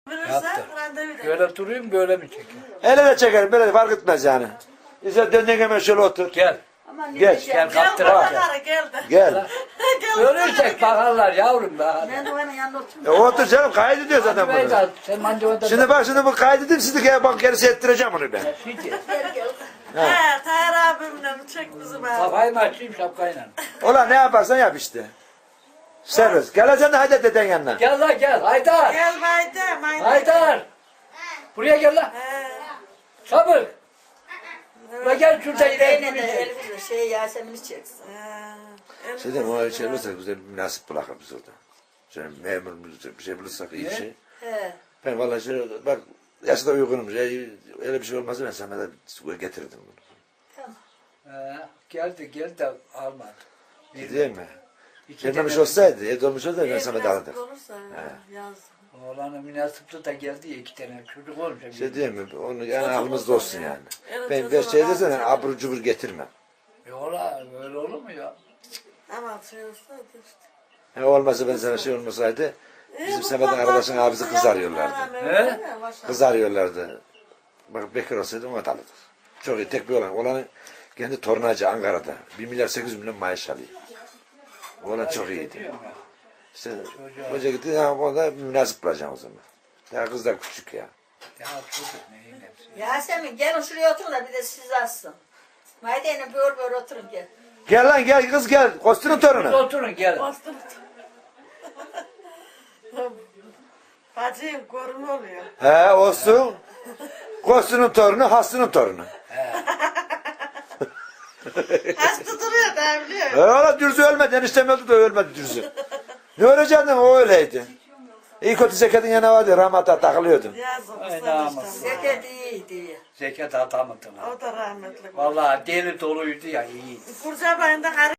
Yaptı. randevu da. Böyle durayım böyle mi çekeyim? Ele de çekerim böyle de fark etmez yani. İşte döndüğün hemen şöyle otur. Gel. Aman Geç, ne gel, diyeceğim? kaptır Gel bak. bakalım, gel de. Gel. Gel. Görürsek bakarlar yavrum da. Ben de onun yanında oturayım. Otur canım kaydediyor zaten bunu. Vedat, sen mandivada. Şimdi bak şimdi bu kaydedeyim sizi bak gerisi ettireceğim onu ben. Şimdi Gel gel. He, Tahir abimle çek bizi bari. kafayı mı açayım şapkayla? Ulan ne yaparsan yap işte. Servis. Geleceksin de haydi deden yanına. Gel lan gel Haydar. Gel Mayda, Mayda. Haydar. Buraya gel lan. He. Çabuk. Ve gel şurada Yine de ileri. Elif'le Yasemin'i çeksin. He. Şey diyeyim o şey olursa güzel bir münasip bırakır biz orada. Şöyle memur bir şey bulursak iyi bir şey. He. Ben vallahi şöyle bak yaşta uygunum. Öyle bir şey olmazsa ben sana da getirdim bunu. Tamam. Geldi de almadı. Değil mi? İki Gelmemiş tane- olsaydı, evde olmuş olsaydı ben Ev sana da nasip alırdım. olursa yaz. Oğlanın münasipli da geldi ya 2 tane çocuk olmuş. Şey değil mi? Onu yani Çocuk aklımızda olsun olsun ya. yani. Evet, Ben çocuğun şey ağzı desene sever. abur cubur getirmem. Yola böyle olur mu ya? Ama şey olsaydı işte. He, olmasa ben sana şey olmasaydı bizim Semet'in arkadaşın abisi kız arıyorlardı. He? Kız arıyorlardı. Bak bekar olsaydı ona da alırdık. Çok iyi tek bir olan. Olanın kendi tornacı Ankara'da. 1 milyar 800 milyon maaş alıyor. Olan çok iyiydi. Diyorum ya. İşte hoca gitti ya onda münasip bulacağım o zaman. Ya kız da küçük ya. Ya çocuk neyin hepsi. Yasemin gelin şuraya oturun da bir de siz açsın. Mayde'yle böyle oturun gel. Gel lan gel kız gel. Kostünün torunu. Oturun gelin. Bastım. Bacım korun oluyor. He olsun. Kostünün torunu, Haslı'nın torunu. Hasta duruyor da biliyor. He ola Dürzü ölmedi. Eniştem öldü de ölmedi Dürzü. Ne ölecektin o öyleydi. İyi kötü Zeket'in yanına vardı. Rahmata takılıyordu. Yazık Ay, usta namus. işte. Zeket iyiydi. Zekat atamadılar. O da rahmetli. Vallahi deli doluydu ya iyi. Kurcabayında